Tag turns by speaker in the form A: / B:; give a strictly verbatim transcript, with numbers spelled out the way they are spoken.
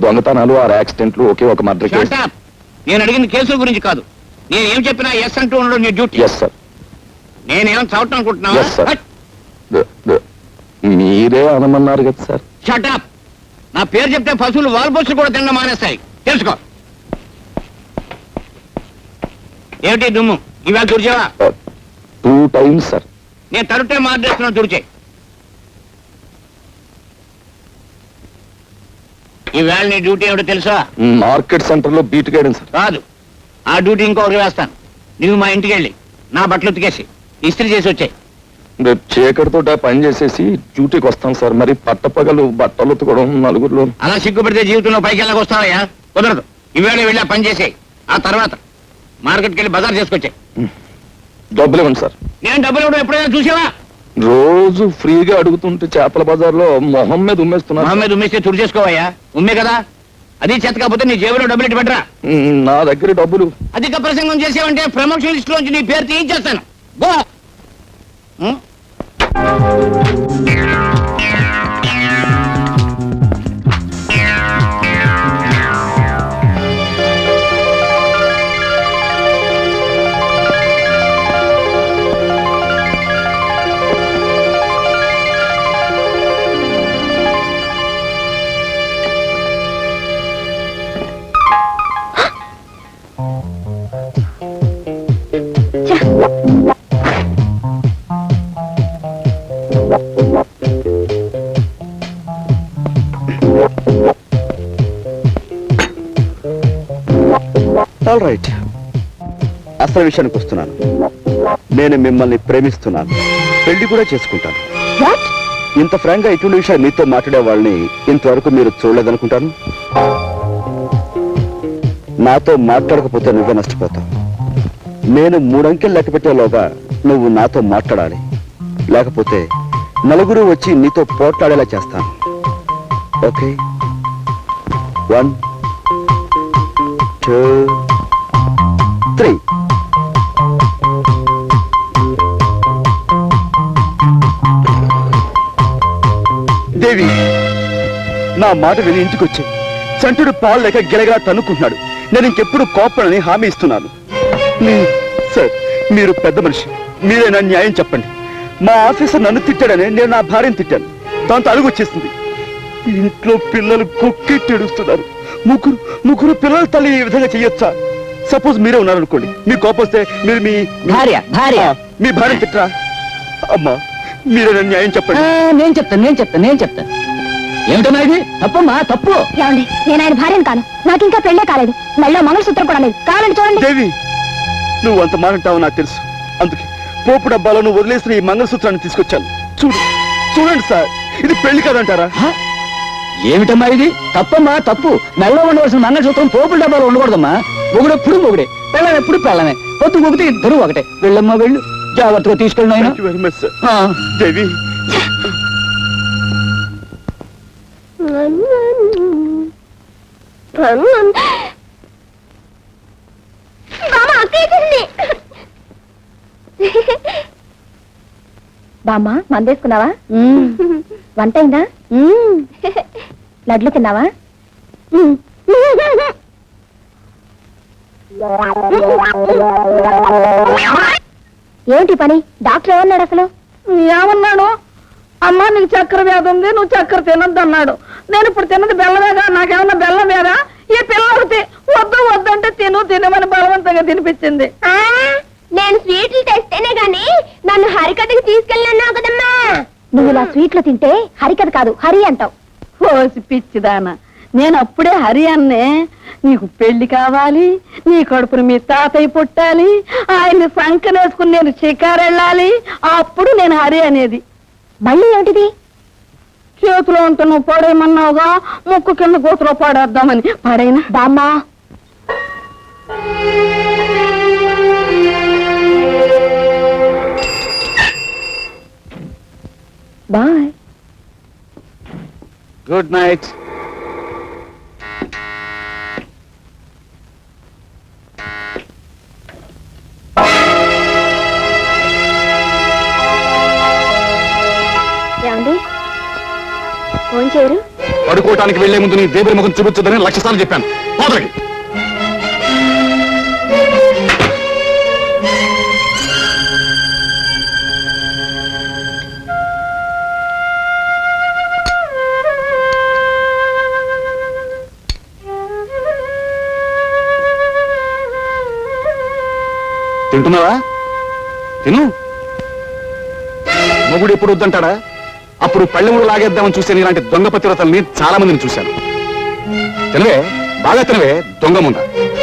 A: దొంగతనాలు ఆరు యాక్సిడెంట్లు ఒకే ఒక మర్డర్ కేసు.
B: Shut up. నేను అడిగిన కేసుల గురించి కాదు. నేను ఏం చెప్పినా ఎస్ అంటూ ఉండడం నీ డ్యూటీ.
A: Yes sir.
B: నేనేం చదవటం అనుకుంటున్నావా?
A: Yes, sir. ద- ద- మీరే అనమన్నారు కదా సార్.
B: Shut up. నా పేరు చెప్తే పశువులు వాల్పోస్టులు కూడా తినడం మానేస్తాయి. తెలుసుకో. ఏమిటి దుమ్ము? ఇవాళ తుడిచావా?
A: Two times sir.
B: నేను తరుటే మార్చేస్తున్నాను, తుడిచే. ఈవేళ నీ డ్యూటీ ఏమిటో తెలుసా?
A: మార్కెట్ సెంటర్ లో బీట్ గైడెన్ సార్.
B: కాదు, ఆ డ్యూటీ ఇంకొకరు వేస్తాను. నువ్వు మా ఇంటికి వెళ్ళి నా బట్టలు ఉతికేసి ఇస్త్రీ చేసి వచ్చాయి.
A: రేపు చీకటితో పని చేసేసి డ్యూటీకి వస్తాం సార్. మరి పట్టపగలు బట్టలు ఉతకడం నలుగురిలో.
B: అలా సిగ్గుపడితే జీవితంలో పైకి వెళ్ళక వస్తావయ్యా? కుదరదు. ఈవేళ వెళ్ళి ఆ పని చేసేయి. ఆ తర్వాత మార్కెట్కి వెళ్ళి బజార్ చేసుకొచ్చాయి.
A: డబ్బులు ఇవ్వండి సార్.
B: నేను డబ్బులు ఇవ్వడం ఎప్పుడైనా చూసావా?
A: రోజు ఫ్రీగా అడుగుతుంటే చేపల బజార్ లో మొహం మీద ఉమ్మేస్తున్నా.
B: మొహం మీద ఉమ్మేస్తే తుడి చేసుకోవయ్యా. ఉమ్మే కదా, అది చేత కాకపోతే నీ జేబులో డబ్బులు ఇటు పెట్టరా.
A: నా దగ్గర డబ్బులు.
B: అధిక ప్రసంగం చేసావంటే ప్రమోషన్ లిస్ట్ లోంచి నీ పేరు తీయించేస్తాను. గో. ఉం?
C: ఆల్ రైట్, అసలు విషయానికి వస్తున్నాను. నేను మిమ్మల్ని ప్రేమిస్తున్నాను, పెళ్లి కూడా చేసుకుంటాను. ఇంత ఫ్రాంక్ గా ఇటువంటి విషయాలు మీతో మాట్లాడే వాళ్ళని ఇంతవరకు మీరు చూడలేదనుకుంటాను. నాతో మాట్లాడకపోతే నువ్వే నష్టపోతావు. నేను మూడంకెలు లెక్క పెట్టేలోగా నువ్వు నాతో మాట్లాడాలి, లేకపోతే నలుగురు వచ్చి నీతో పోట్లాడేలా చేస్తాను. Okay? One, two, three. Devi, నా మాట విని ఇంటికి వచ్చాయి. చంటుడు పాలు లేక గిలగలా తన్నుకుంటున్నాడు. నేను ఇంకెప్పుడు కోపడని హామీ ఇస్తున్నాను. సార్, మీరు పెద్ద మనిషి, మీరే నా న్యాయం చెప్పండి. మా ఆఫీసర్ నన్ను తిట్టాడని నేను నా భార్యను తిట్టాను. దాంతో అలుగు వచ్చేసింది. ఇంట్లో పిల్లలు కొక్కెట్టి ఏడుస్తున్నారు. ముగ్గురు ముగ్గురు పిల్లల తల్లి ఈ విధంగా చెయ్యొచ్చా? సపోజ్ మీరే ఉన్నారనుకోండి, మీ కోపం వస్తే మీరు మీ
B: భార్య భార్య
C: మీ భార్య తిట్టరా? అమ్మా, మీరే నా న్యాయం చెప్పండి.
B: నేను చెప్తాను నేను చెప్తాను నేను చెప్తాను ఏమిటన్నా ఇది? తప్పమ్మా, తప్పు.
D: ఏమండి, నేను ఆయన భార్యను కాను. నాకు ఇంకా పెళ్ళే కాలేదు. మళ్ళీ మంగళసూత్రం కూడా లేదు. కావాలండి చూడండి.
C: దేవి, నువ్వు అంత మాట్లాడతావు నాకు తెలుసు. అందుకే పోపు డబ్బాలో నువ్వు వదిలేసిన ఈ మంగళసూత్రాన్ని తీసుకొచ్చాను. చూడు చూడండి సార్, ఇది పెళ్లి కాదంటారా?
B: ఏమిటమ్మా ఇది? తప్పమ్మా, తప్పు. మెల్లో ఉండవలసిన మంగళసూత్రం పోపుల డబ్బాలో ఉండకూడదమ్మా. మొగుడెప్పుడు మొగుడే, పెళ్ళం ఎప్పుడు పెళ్ళమే. పొత్తు మొగితే ఇద్దరు ఒకటే. వెళ్ళమ్మా, వెళ్ళు. జాగ్రత్తగా తీసుకెళ్ళిన ఆయన.
C: Very much sir. దేవి,
D: బామ్మ, మందేసుకున్నావా? వంట అయిందా? లడ్లు తిన్నావా? ఏంటి పని? డాక్టర్ ఏమన్నాడు అసలు?
E: ఏమన్నాడు? అమ్మా, నీకు చక్కెర వ్యాధి ఉంది, నువ్వు చక్కెర తినద్దు అన్నాడు. నేను ఇప్పుడు తిన్నది బెల్లమేగా, నాకేమన్నా బెల్లం వేరా? ఈ పిల్లలకి వద్దు వద్దంటే తిను తినమని బలవంతంగా తినిపించింది.
D: నేను స్వీట్లు తెస్తేనే గాని నన్ను హరికథకి తీసుకెళ్ళినావు కదమ్మా. నువ్వు ఇలా స్వీట్లు తింటే హరికథ కాదు, హరి అంటావు.
E: ఓసి పిచ్చిదానా, నేను అప్పుడే హరి అన్నే. నీకు పెళ్లి కావాలి, నీ కడుపున మీ తాతయ్య పుట్టాలి, ఆయన్ని సంకనేసుకుని నేను షికారు వెళ్ళాలి, అప్పుడు నేను హరి అనేది.
D: మళ్ళీ ఏమిటిది?
E: చేతిలో ఉంటే నువ్వు పడేయమన్నావుగా, ముక్కు కింద గోతులో పడేద్దామని. పడైనా
D: బామ్మా. బాయ్.
C: Good night.
D: ఏమండి, ఫోన్ చేయరు?
A: పడుకోవటానికి వెళ్లే ముందు నీ దేవుడి ముఖం చూపించదని లక్ష సార్లు చెప్పాను. పోదలకి తింటున్నావా? తిను. మొగుడు ఎప్పుడు వద్దంటాడా? అప్పుడు పళ్ళెముడు లాగేద్దామని చూసే ఇలాంటి దొంగ పతివ్రతల్ని చాలా మందిని చూశాను. తినవే, బాగా తినవే, దొంగ ముందా.